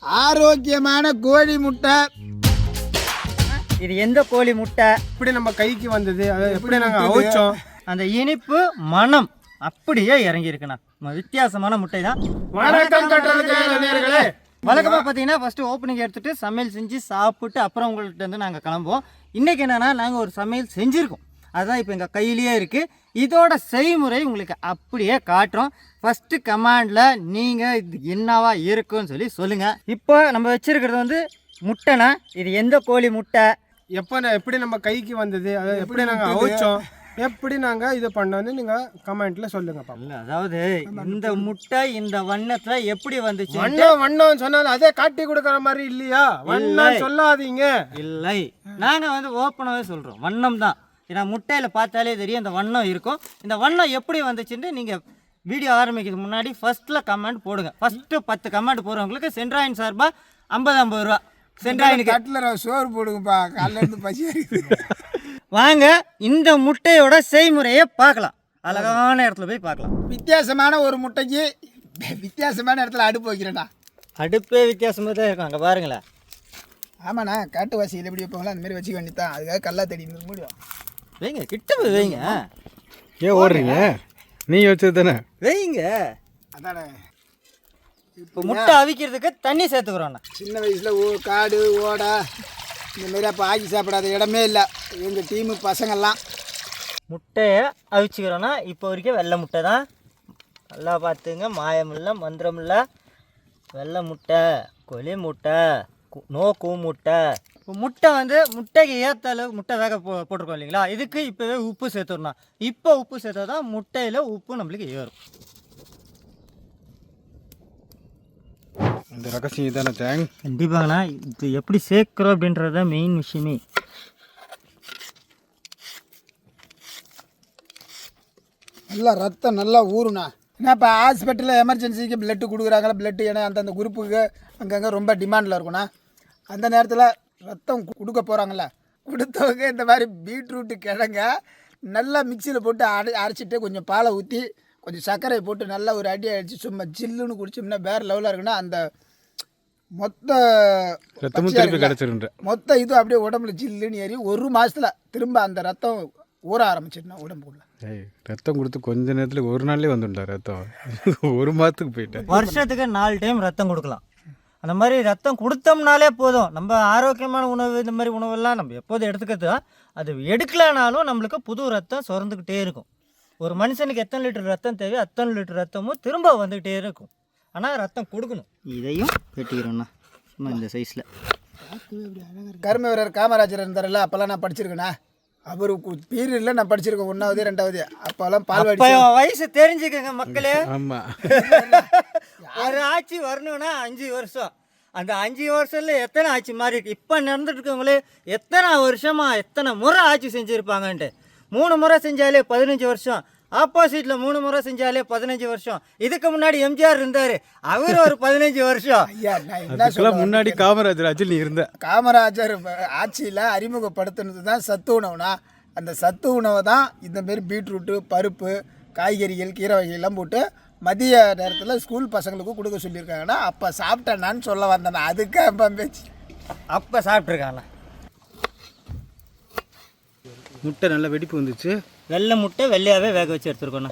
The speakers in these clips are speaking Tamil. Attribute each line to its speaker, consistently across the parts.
Speaker 1: ஆரோக்கியமான கோழி முட்டை.
Speaker 2: இது எந்த கோழி முட்டை?
Speaker 3: எப்படி நம்ம கைக்கு வந்தது, அதை எப்படி நாங்கள் அவிச்சோம்,
Speaker 2: அந்த இனிப்பு மனம் அப்படியே இறங்கியிருக்குண்ணா. வித்தியாசமான முட்டை தான்.
Speaker 3: வணக்கம் கற்றலுக்கு நேயர்களே.
Speaker 2: வழக்கமாக பார்த்தீங்கன்னா ஃபஸ்ட்டு ஓப்பனிங் எடுத்துகிட்டு சமையல் செஞ்சு சாப்பிட்டு அப்புறம் உங்கள்கிட்ட வந்து நாங்கள் கிளம்புவோம். இன்றைக்கி என்னென்னா நாங்கள் ஒரு சமையல் செஞ்சுருக்கோம். அதுதான் இப்போ எங்கள் கையிலேயே இருக்குது. இதோட செய்முறை உங்களுக்கு அப்படியே காட்டுறோம். ஃபஸ்ட்டு கமாண்டில் நீங்கள் இது என்னவா இருக்குன்னு சொல்லி சொல்லுங்கள். இப்போ நம்ம வச்சுருக்கிறது வந்து முட்டைண்ணா. இது எந்த கோழி முட்டை?
Speaker 3: எப்படி நம்ம கைக்கு வந்தது, அதை எப்படி நாங்கள் அவிச்சோம், எப்படி நாங்கள் இது பண்ணோன்னு நீங்கள் கமெண்ட்டில் சொல்லுங்கப்பா.
Speaker 2: இல்லை, அதாவது இந்த முட்டை இந்த வண்ணத்தில் எப்படி வந்துச்சு?
Speaker 3: வண்ணம் சொன்னாலும் அதே காட்டி கொடுக்குற மாதிரி இல்லையா? வண்ணம் சொல்லாதீங்க.
Speaker 2: இல்லை, நாங்கள் வந்து ஓப்பனாகவே சொல்கிறோம், வண்ணம் தான். ஏன்னா முட்டையில் பார்த்தாலே தெரியும் இந்த வண்ணம் இருக்கும். இந்த வண்ணம் எப்படி வந்துச்சுன்னு நீங்கள் வீடியோ ஆரம்பிக்கிறதுக்கு முன்னாடி ஃபஸ்ட்டில் கமெண்ட் போடுங்க. ஃபஸ்ட்டு 10 கமெண்ட் போடுறவங்களுக்கு சென்ட்ராயின் சார்பாக 50 ரூபா. சென்ட்ராயினுக்கு
Speaker 1: கட்டில் சோறு போடுங்கப்பா, காலையிலேருந்து பசி இருக்குது.
Speaker 2: வாங்க இந்த முட்டையோட செய்முறையை பார்க்கலாம். அழகான இடத்துல போய் பார்க்கலாம்.
Speaker 1: வித்தியாசமான ஒரு முட்டைக்கு வித்தியாசமான இடத்துல அடுப்பு வைக்கிறேண்ணா.
Speaker 2: அடுப்பே வித்தியாசமாக தான் இருக்கும். அங்கே பாருங்களேன்.
Speaker 1: ஆமாண்ணா, காட்டு வாசியில் எப்படி வைப்பாங்களோ அந்த மாதிரி வச்சுக்க வேண்டியதான். அதுக்காக கல்லா தேடி முடியும்.
Speaker 2: வைங்க, கிட்ட போய் வைங்க.
Speaker 3: ஏன் ஓடுறீங்க? நீ வச்சது தானே,
Speaker 2: வைங்க.
Speaker 1: அதானே
Speaker 2: இப்போ முட்டை அவிக்கிறதுக்கு தண்ணி சேர்த்துக்கிறோண்ணா.
Speaker 1: சின்ன வயசில் காடு ஓடை இந்த மாதிரி அப்போ ஆக்கி சாப்பிடாத இடமே இல்லை எங்கள் டீமு பசங்கள்லாம்.
Speaker 2: முட்டையை அவிச்சுக்கிறோன்னா இப்போ வரைக்கும் வெள்ளை முட்டை தான். நல்லா பார்த்துங்க, மாயம் இல்லை மந்திரம் இல்லை. வெள்ளை முட்டை, கொலி முட்டை, நோ கூ முட்டை. இப்போ முட்டை வந்து முட்டைக்கு ஏற்ற அளவுக்கு முட்டை வேக போட்டிருக்கோம் இல்லைங்களா? இதுக்கு இப்போவே உப்பு சேர்த்துடணும். இப்போ உப்பு சேர்த்தா தான் முட்டையில் உப்பு நம்மளுக்கு ஏறும்.
Speaker 3: இந்த ரகசியம் தானே தேங்.
Speaker 2: கண்டிப்பாங்கண்ணா, இது எப்படி சேர்க்குறோம் அப்படின்றது தான் மெயின் விஷயமே.
Speaker 1: நல்லா ரத்தம் நல்லா ஊறுண்ணா. ஏன்னா இப்போ ஹாஸ்பிட்டலில் எமர்ஜென்சிக்கு பிளட்டு கொடுக்குறாங்களா, பிளட்டு ஏன்னா அந்தந்த குரூப்புக்கு அங்கங்கே ரொம்ப டிமாண்டில் இருக்குண்ணா. அந்த நேரத்தில் ரத்தம் கொடுக்க போகிறாங்கள, கொடுத்தவங்க இந்த மாதிரி பீட்ரூட்டு கிழங்க நல்லா மிக்சியில் போட்டு அரைச்சிட்டு கொஞ்சம் பாலை ஊற்றி கொஞ்சம் சர்க்கரை போட்டு நல்லா ஒரு அடி அடித்து சும்மா ஜில்லுன்னு குடிச்சோம்னா வேறு லெவலாக இருக்குன்னா அந்த மொத்த மொத்த இது அப்படியே உடம்புல ஜில்லுன்னு ஏறி 1 மாதத்தில் திரும்ப அந்த ரத்தம் ஊற ஆரம்பிச்சிருந்தா உடம்புக்குள்ள.
Speaker 3: ரத்தம் கொடுத்து கொஞ்ச நேரத்தில் ஒரு நாள்லேயே வந்துட்டா ரத்தம். 1 மாதத்துக்கு போயிட்டேன்.
Speaker 2: வருஷத்துக்கு 4 டைம் ரத்தம் கொடுக்கலாம். அந்த மாதிரி ரத்தம் கொடுத்தோம்னாலே போதும். நம்ம ஆரோக்கியமான உணவு இந்த மாதிரி உணவெல்லாம் நம்ம எப்போதும் எடுத்துக்கிறது தான். அது எடுக்கலனாலும் நம்மளுக்கு புது ரத்தம் சுரந்துக்கிட்டே இருக்கும். ஒரு மனுஷனுக்கு எத்தனை லிட்டர் ரத்தம் தேவையோ அத்தனை லிட்டர் ரத்தமும் திரும்ப வந்துக்கிட்டே இருக்கும். ஆனால் ரத்தம் கொடுக்கணும். இதையும் வெட்டிக்கிறோண்ணா சும்மா இந்த சைஸில்.
Speaker 1: கர்ம வீரர் காமராஜர் இருந்தார்ல, அப்போல்லாம் நான் படிச்சிருக்கேண்ணா. அவருக்கு பீரியடில் நான் படிச்சிருக்கேன் 1வது 2வது. அப்போல்லாம் பால்வாடி
Speaker 2: வயசு தெரிஞ்சுக்கங்க மக்களே.
Speaker 3: ஆமாம்,
Speaker 2: ஒரு ஆட்சி வரணும்னா 5 வருஷம். அந்த 5 வருஷத்தில் எத்தனை ஆட்சி மாறி இருக்கு. இப்போ நடந்துட்டு இருக்கவங்களே எத்தனை வருஷமா எத்தனை முறை ஆட்சி செஞ்சுருப்பாங்கன்ட்டு. 3 முறை செஞ்சாலே 15 வருஷம். ஆப்போசிட்டில் 3 முறை செஞ்சாலே 15 வருஷம். இதுக்கு முன்னாடி எம்ஜிஆர் இருந்தார், அவர் ஒரு 15 வருஷம்.
Speaker 1: ஐயா நான்
Speaker 3: முன்னாடி காமராஜர் ஆட்சியில் நீ இருந்த.
Speaker 1: காமராஜர் ஆட்சியில் அறிமுகப்படுத்தினது தான் சத்து உணவுனா. அந்த சத்து உணவை தான் இந்தமாரி பீட்ரூட்டு, பருப்பு, காய்கறிகள், கீரை வகைகள்லாம் போட்டு மதிய நேரத்தில் ஸ்கூல் பசங்களுக்கு கொடுக்க சொல்லியிருக்காங்கன்னா அப்போ சாப்பிட்டேன்னான்னு சொல்ல வந்தேன். அதுக்கு அப்போ பேச்சு
Speaker 2: அப்போ சாப்பிட்ருக்காங்கண்ணா.
Speaker 3: முட்டை நல்லா வெடிப்பு வந்துச்சு.
Speaker 2: வெள்ளை முட்டை வெள்ளையாகவே வேக வச்சு எடுத்துருக்கோண்ணா.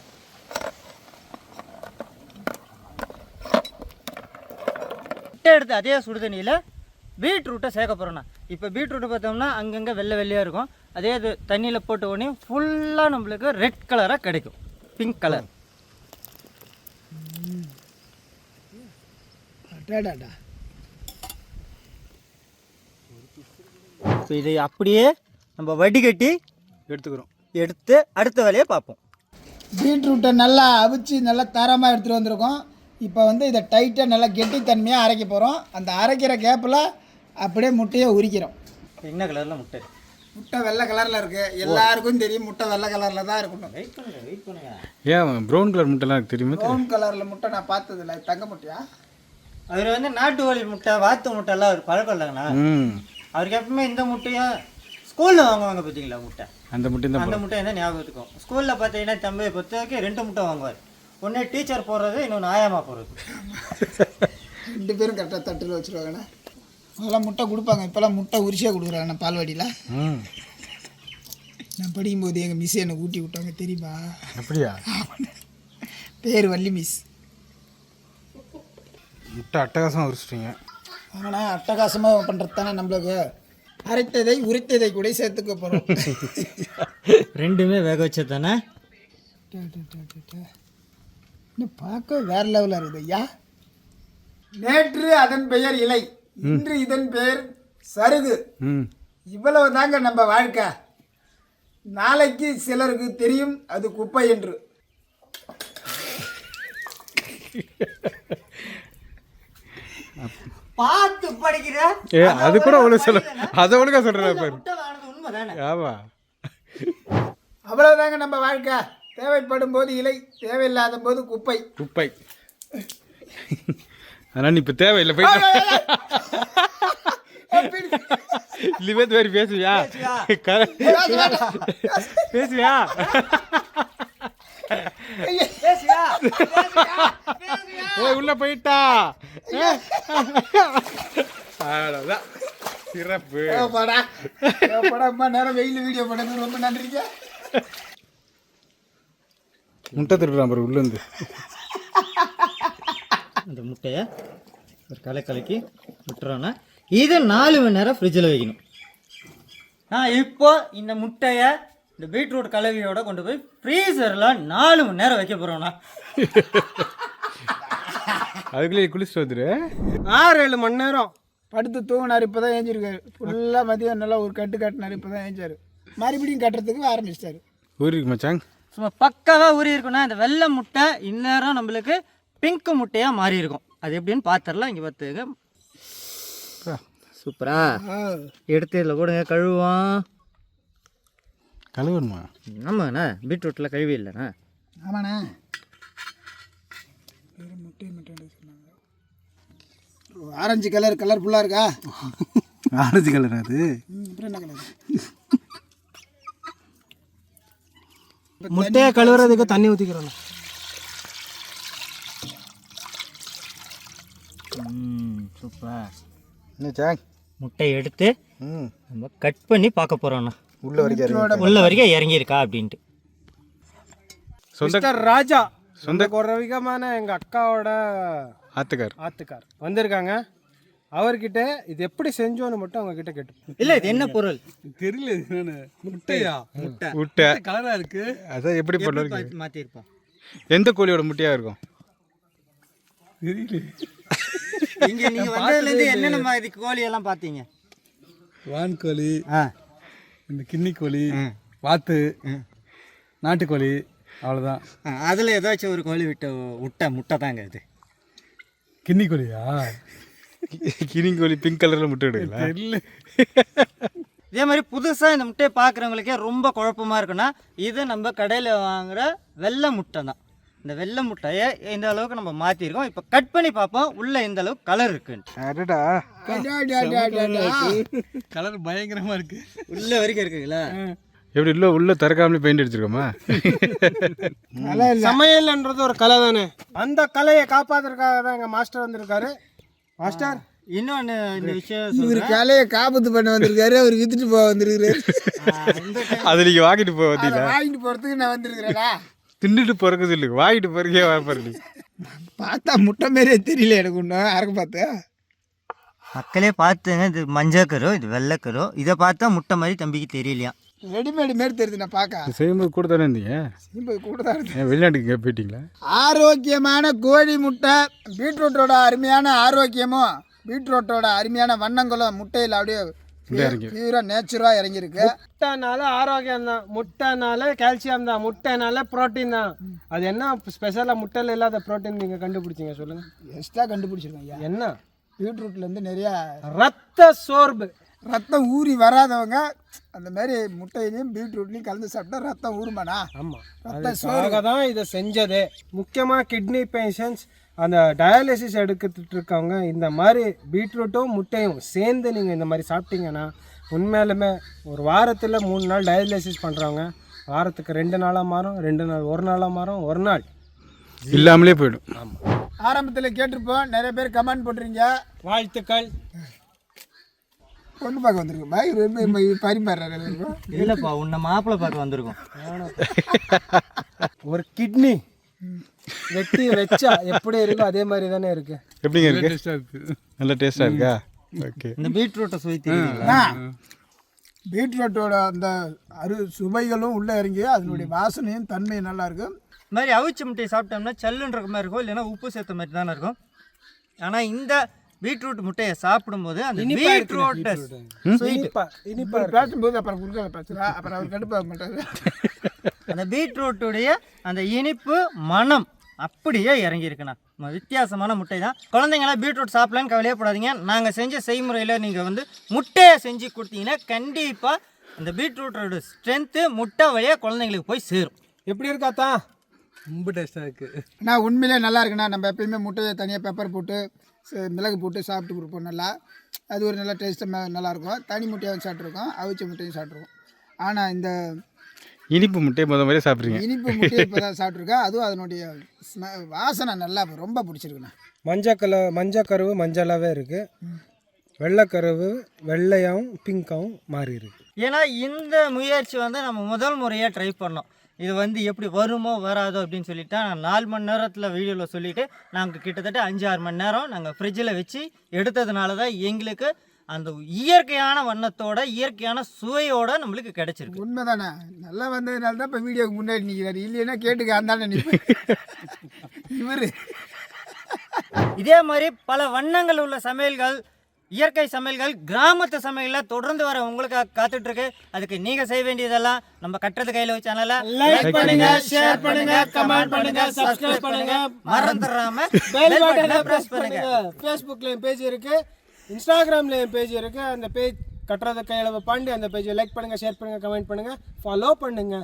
Speaker 2: முட்டை எடுத்து அதே சுடுதண்ணியில் பீட்ரூட்டை சேர்க்க போகிறோண்ணா. இப்போ பீட்ரூட்டை பார்த்தோம்னா அங்கங்கே வெள்ளை வெள்ளையாக இருக்கும். அதே இது தண்ணியில் போட்ட உடனே ஃபுல்லாக நம்மளுக்கு ரெட் கலராக கிடைக்கும், பிங்க் கலர். இப்போ இதை அப்படியே நம்ம வடிகட்டி எடுத்து அடுத்த வேலையை பார்ப்போம்.
Speaker 1: பீட்ரூட்டை நல்லா அவிச்சு நல்லா தரமாக எடுத்துகிட்டு வந்திருக்கோம். இப்போ வந்து இதை டைட்டாக நல்லா கெட்டித்தன்மையாக அரைக்க போகிறோம். அந்த அரைக்கிற கேப்பில் அப்படியே முட்டையை உரிக்கிறோம்.
Speaker 2: என்ன கலரில் முட்டை?
Speaker 1: முட்டை வெள்ளை கலரில் இருக்குது. எல்லாருக்கும் தெரியும் முட்டை வெள்ளை கலரில் தான் இருக்கணும்.
Speaker 2: வெயிட் பண்ணுங்க.
Speaker 3: ஏன் ப்ரௌன் கலர் முட்டைலாம் எனக்கு தெரியுமா?
Speaker 1: ப்ரௌன் கலரில் முட்டை நான் பார்த்ததில்ல. தங்க முட்டையா?
Speaker 2: அவர் வந்து நாட்டு கோழி முட்டை, வாத்து முட்டைலாம் அவர் பழக்கம் இல்லைங்கண்ணா. அவருக்கு எப்பவுமே இந்த முட்டையும் ஸ்கூலில் வாங்குவாங்க பார்த்தீங்களா முட்டை, அந்த முட்டை என்ன ஞாபகத்துக்கும். ஸ்கூலில் பார்த்தீங்கன்னா தம்பியை பொறுத்த வரைக்கும் 2 முட்டை வாங்குவார். ஒன்று டீச்சர் போடுறது, இன்னொன்று ஆயாமா போடுறது.
Speaker 1: 2 பேரும் கரெக்டாக தட்டில் வச்சுருவாங்கண்ணா. அதெல்லாம் முட்டை கொடுப்பாங்க, இப்போல்லாம் முட்டை உரிச்சியாக கொடுக்குறாங்கண்ணா பால்வாடியில். நான் படிக்கும்போது எங்கள் மிஸ் என்னை ஊட்டி விட்டாங்க தெரியுமா?
Speaker 3: அப்படியா?
Speaker 1: பேர் வள்ளி மிஸ்.
Speaker 3: முட்டை அட்டகாசமாக உரிச்சிட்டீங்க.
Speaker 1: ஆமாண்ணா, அட்டகாசமாக பண்ணுறது தானே நம்மளுக்கு. அரைத்ததை உரித்ததை கூட சேர்த்துக்க போகிறோம்.
Speaker 2: ரெண்டுமே வேக வச்சது தானே.
Speaker 1: இன்னும் பார்க்க வேற லெவலில் இருக்குது ஐயா. நேற்று அதன் பெயர் இலை, இன்று இதன் பெயர் சருகு. இவ்வளவு தாங்க நம்ம வாழ்க்கை. நாளைக்கு சிலருக்கு தெரியும் அது குப்பை என்று.
Speaker 2: பார்த்து படிக்கிற
Speaker 3: அது கூட ஒழுங்கு சொல்ல, அதை ஒழுங்கா சொல்கிறேன் பாரு.
Speaker 2: உண்மைதானே.
Speaker 3: ஆமா,
Speaker 1: அவ்வளவுதாங்க நம்ம வாழ்க்கை. தேவைப்படும் போது இலை, தேவையில்லாத போது குப்பை.
Speaker 3: குப்பை. ஆனால் நீ இப்போ தேவையில்லை போயிட்டு இல்லையே வேறு பேசுவியா? பேசுவியா? உள்ள போயிட்டா அவ்வளோதான். சிறப்பு.
Speaker 1: அம்மா நேரம் வெயில் வீடியோ பண்ணது ரொம்ப நன்றிங்க.
Speaker 3: முட்டை திருடுறான் பாரு உள்ளேருந்து.
Speaker 2: அந்த முட்டையை ஒரு கலக்கி விட்டுறோன்னா இது 4 மணி நேரம் ஃப்ரிட்ஜில் வைக்கணும். இப்போ இந்த முட்டையை இந்த பீட்ரூட் கலவையோட கொண்டு போய் ஃப்ரீசரில் 4 மணி நேரம் வைக்க போகிறோண்ணா.
Speaker 3: அதுக்குள்ளே குளிச்சுட்டு வந்துரு. 6-7 மணி நேரம்
Speaker 1: படுத்து தூங்கினார். இப்போ தான் ஏஞ்சிருக்காரு. ஃபுல்லாக மதியம் நல்லா ஒரு கட்டு கட்டினார். இப்போ தான் ஏஞ்சார். மறுபடியும் கட்டுறதுக்கு ஆரம்பிச்சிட்டாரு.
Speaker 3: ஊருக்கு மச்சாங்
Speaker 2: சும்மா பக்காவாக ஊறி இருக்குன்னா இந்த வெள்ளை முட்டை இந்நேரம் நம்மளுக்கு பிங்க் முட்டையாக மாறி இருக்கும். அது எப்படின்னு பார்த்துடலாம். இங்கே பார்த்துங்க. சூப்பரா எடுத்து இதில் போடுங்க. கழுவான்.
Speaker 3: கழுவணுமா?
Speaker 2: ஆமாண்ணா, பீட்ரூட்டில் கழுவி இல்லைண்ணா.
Speaker 1: ஆமாண்ணா. ஆரஞ்சு கலர்ஃபுல்லாக இருக்கா?
Speaker 3: ஆரஞ்சு கலர் அது.
Speaker 1: அப்புறம் என்ன கலர்?
Speaker 3: முட்டையை கழுவுறதுக்கு தண்ணி ஊற்றிக்கிறோம்.
Speaker 2: சூப்பர்.
Speaker 3: என்ன
Speaker 2: முட்டை எடுத்து நம்ம கட் பண்ணி பார்க்க போகிறோண்ணா.
Speaker 3: உள்ள
Speaker 2: வரைக்கும் இறங்கியிருக்கா அப்படின்ட்டு.
Speaker 3: சொந்த ராஜா சொந்த குறவிகமான எங்கள் அக்காவோட ஆத்துக்கார் வந்திருக்காங்க. அவர்கிட்ட இது எப்படி செஞ்சோன்னு மட்டும் அவங்க கிட்ட கேட்டு.
Speaker 2: இல்லை, இது என்ன பொருள்
Speaker 3: தெரியல. முட்டையா?
Speaker 2: முட்டை
Speaker 3: கலரா இருக்கு. அதான் எப்படி பண்ணுவாங்க?
Speaker 2: மாற்றிருப்போம்.
Speaker 3: எந்த கோழியோட முட்டையா இருக்கும்?
Speaker 2: இங்கே நீங்கள் வந்ததுலேருந்து என்னென்ன மாதிரி கோழியெல்லாம் பார்த்தீங்க?
Speaker 3: வான்கோழி, இந்த கிண்ணி கோழி, வாத்து, நாட்டுக்கோழி, அவ்வளோதான்.
Speaker 2: அதில் ஏதாச்சும் ஒரு கோழி விட்ட முட்டை தாங்க இது.
Speaker 3: கிண்ணி கோழியா? கிண்ணி கோழி பிங்க் கலரில் முட்டை எடுக்கல. இல்லை.
Speaker 2: இதே மாதிரி புதுசாக இந்த முட்டையை பார்க்குறவங்களுக்கே ரொம்ப குழப்பமாக இருக்குன்னா இது நம்ம கடையில் வாங்குகிற வெள்ளை முட்டை தான். இந்த வெள்ளை முட்டையை இந்த அளவுக்கு நம்ம மாற்றிருக்கோம். இப்போ கட் பண்ணி பார்ப்போம் உள்ளே இந்த அளவுக்கு கலர் இருக்குன்ட்டு.
Speaker 3: கலர் பயங்கரமாக இருக்கு.
Speaker 2: உள்ள வரைக்கும் இருக்குங்களா?
Speaker 3: எப்படி உள்ள திறக்காமலே பெயிண்ட் அடிச்சிருக்கோமா? சமையல்ன்றது ஒரு கலை தானே. அந்த கலையை காப்பாத்துறதுக்காக தான் எங்கள் மாஸ்டர் வந்திருக்காரு. மாஸ்டர்,
Speaker 2: இன்னொன்று இந்த விஷயம்,
Speaker 1: இவர் கலையை காப்பத்து பண்ண வந்திருக்காரு. அவர் வித்துட்டு போக வந்திருக்காரு.
Speaker 3: அது நீங்கள் வாங்கிட்டு போக வந்தீங்களா?
Speaker 1: வாங்கிட்டு போகிறதுக்கு நான் வந்திருக்கிறேடா.
Speaker 3: தின்னுட்டு போறதுக்கு இல்லைங்க, வாங்கிட்டு போறதுக்கே வரப்பாரு.
Speaker 1: பார்த்தா முட்டை மாரியே தெரியல எனக்கு ஒன்றும். யாருக்கு பார்த்து
Speaker 2: மக்களே பார்த்துங்க. இது மஞ்சக்கரு, இது வெள்ளைக்கரு. இதை பார்த்தா முட்டை மாதிரி தம்பிக்கு தெரியலையா?
Speaker 1: ரெடிமேடு மாரி தெரியுது. நான் பார்க்க
Speaker 3: செய்யும்போது கூட தானே இருந்தீங்க?
Speaker 1: செய்யும்போது கூட தான் இருந்தேன்.
Speaker 3: வெளிநாட்டுக்கு போயிட்டீங்களா?
Speaker 1: ஆரோக்கியமான கோழி முட்டை, பீட்ரூட்டோட அருமையான ஆரோக்கியமும் பீட்ரூட்டோட அருமையான வண்ணங்களும் முட்டையில் அப்படியே பியூராக நேச்சுராக இறங்கியிருக்கு.
Speaker 3: முட்டைனால ஆரோக்கியம் தான், முட்டைனால கால்சியம் தான், முட்டைனால ப்ரோட்டீன் தான். அது என்ன ஸ்பெஷலாக முட்டையில் இல்லாத ப்ரோட்டீன் நீங்கள் கண்டுபிடிச்சிங்க சொல்லுங்கள்?
Speaker 1: எக்ஸ்ட்ரா கண்டுபிடிச்சிருக்கோம் ஐயா.
Speaker 3: என்ன?
Speaker 1: பீட்ரூட்லேருந்து நிறையா
Speaker 3: ரத்த சோர்வு,
Speaker 1: ரத்தம் ஊறி வராதவங்க அந்த மாதிரி முட்டையிலையும் பீட்ரூட்லையும் கலந்து சாப்பிட்டா ரத்தம் ஊறுமாண்ணா.
Speaker 3: ஆமாம், அதுக்காக தான் இதை செஞ்சதே. முக்கியமாக கிட்னி பேஷண்ட்ஸ், அந்த டயாலிசிஸ் எடுத்துட்டு இருக்கவங்க இந்த மாதிரி பீட்ரூட்டும் முட்டையும் சேர்ந்து நீங்கள் இந்த மாதிரி சாப்பிட்டீங்கன்னா உண்மையிலுமே ஒரு வாரத்தில் 3 நாள் டயாலிசிஸ் பண்ணுறவங்க வாரத்துக்கு 2 நாளாக மாறும், 2 நாள் 1 நாளாக மாறும், 1 நாள் இல்லாமலே போயிடும். ஆமாம்.
Speaker 1: ஆரம்பத்தில் கேட்டிருப்போம், நிறைய பேர் கமெண்ட் போட்டுறீங்க.
Speaker 3: வாழ்த்துக்கள்.
Speaker 1: பொண்ணு பார்க்க வந்திருக்கோம் பாய், ரொம்ப பரிமாறுறாரு.
Speaker 2: இல்லைப்பா, உன்னை மாப்பிள்ளை பார்க்க வந்திருக்கோம்.
Speaker 3: ஒரு கிட்னி வெட்டி வச்சா எப்படி இருக்கோ அதே மாதிரி தானே இருக்கு.
Speaker 4: எப்படிங்க இருக்கு? நல்ல டேஸ்டா இருக்கா? ஓகே.
Speaker 2: இந்த பீட்ரூட்டை சுவைத்தீங்களா?
Speaker 1: பீட்ரூட்டோட அந்த சுவைகளும் உள்ளே இறங்கி அதனுடைய வாசனையும் தன்மையும் நல்லா இருக்கும்.
Speaker 2: இந்த மாதிரி அவிச்ச முட்டையை சாப்பிட்டோம்னா சல்லுன்ற மாதிரி இருக்கும், இல்லைன்னா உப்பு சேர்த்த மாதிரி தானே இருக்கும். ஆனால் இந்த பீட்ரூட் முட்டையை சாப்பிடும்போது அந்த பீட்ரூட்
Speaker 1: பேசும்போது அப்புறம் குறுக்கால பேசுகிறா, அப்புறம் அவர் கடுப்பாக மாட்டாரு.
Speaker 2: அந்த பீட்ரூட்டுடைய அந்த இனிப்பு மனம் அப்படியே இறங்கியிருக்குண்ணா. வித்தியாசமான முட்டை தான். குழந்தைங்களாம் பீட்ரூட் சாப்பிடலான்னு கவலையப்படாதீங்க. நாங்கள் செஞ்ச செய்முறையில் நீங்கள் வந்து முட்டையை செஞ்சு கொடுத்தீங்கன்னா கண்டிப்பாக அந்த பீட்ரூட்டோட ஸ்ட்ரென்த்து முட்டை வழியாக குழந்தைங்களுக்கு போய் சேரும்.
Speaker 3: எப்படி இருக்காத்தா? ரொம்ப டேஸ்டாக இருக்குது.
Speaker 1: நான் உண்மையிலே நல்லா இருக்குண்ணா. நம்ம எப்பயுமே முட்டையை தனியாக பெப்பர் போட்டு மிளகு போட்டு சாப்பிட்டு கொடுப்போம். நல்லா அது ஒரு நல்ல டேஸ்ட்டாக நல்லாயிருக்கும். தனி முட்டையாகவும் சாப்பிட்ருக்கோம், அவிச்ச முட்டையும் சாப்பிட்ருக்கோம். ஆனால் இந்த
Speaker 4: இனிப்பு முட்டையை முதல் மாதிரியே சாப்பிட்றீங்க.
Speaker 1: இனிப்பு முட்டையை இப்போ தான் சாப்பிட்ருக்கேன். அதுவும் அதனுடைய வாசனை நல்லா ரொம்ப பிடிச்சிருக்குண்ணா.
Speaker 3: மஞ்சக்கருவு மஞ்சளாகவே இருக்குது, வெள்ளைக்கருவு வெள்ளையாகவும் பிங்காகவும் மாறி இருக்கு.
Speaker 2: ஏன்னா இந்த முயற்சி வந்து நம்ம முதல் முறையாக ட்ரை பண்ணோம். இது வந்து எப்படி வருமோ வராதோ அப்படின்னு சொல்லிட்டு நான் 4 மணி நேரத்தில் வீடியோவில் சொல்லிவிட்டு நாங்கள் கிட்டத்தட்ட 5-6 மணி நேரம் நாங்கள் ஃப்ரிட்ஜில் வச்சு எடுத்ததுனால தான் எங்களுக்கு அந்த இயற்கையான வண்ணத்தோட இயற்கையான சுவையோட நம்மளுக்கு கிடைச்சிருக்கு.
Speaker 1: உண்மைதானே, நல்லா வந்ததுனால தான் இப்போ வீடியோக்கு முன்னாடி நிற்கிறாரு. இல்லைன்னா கேட்டுக்க அந்தாண்ட நிற்பேன். இவர்
Speaker 2: இதே மாதிரி பல வண்ணங்கள் உள்ள சமையல்கள், இயற்கை சமையல்கள், கிராமத்து சமையலில் தொடர்ந்து வர உங்களுக்கு காத்துட்டு இருக்கு. அதுக்கு நீங்கள் செய்ய வேண்டியதெல்லாம் நம்ம கட்டுறது கையில் வச்ச சேனலை
Speaker 3: லைக் பண்ணுங்க, ஷேர் பண்ணுங்க, கமெண்ட் பண்ணுங்க, சப்ஸ்கிரைப் பண்ணுங்க,
Speaker 2: மறந்துடாம
Speaker 3: பெல் பட்டனை பிரஸ் பண்ணுங்க. ஃபேஸ்புக்லயும் பேஜ் இருக்கு, இன்ஸ்டாகிராம்லயும் பேஜ் இருக்கு. அந்த பேஜ் கட்டுறது கையில் பாண்டி அந்த பேஜை லைக் பண்ணுங்க, ஷேர் பண்ணுங்க, கமெண்ட் பண்ணுங்க, ஃபாலோ பண்ணுங்க.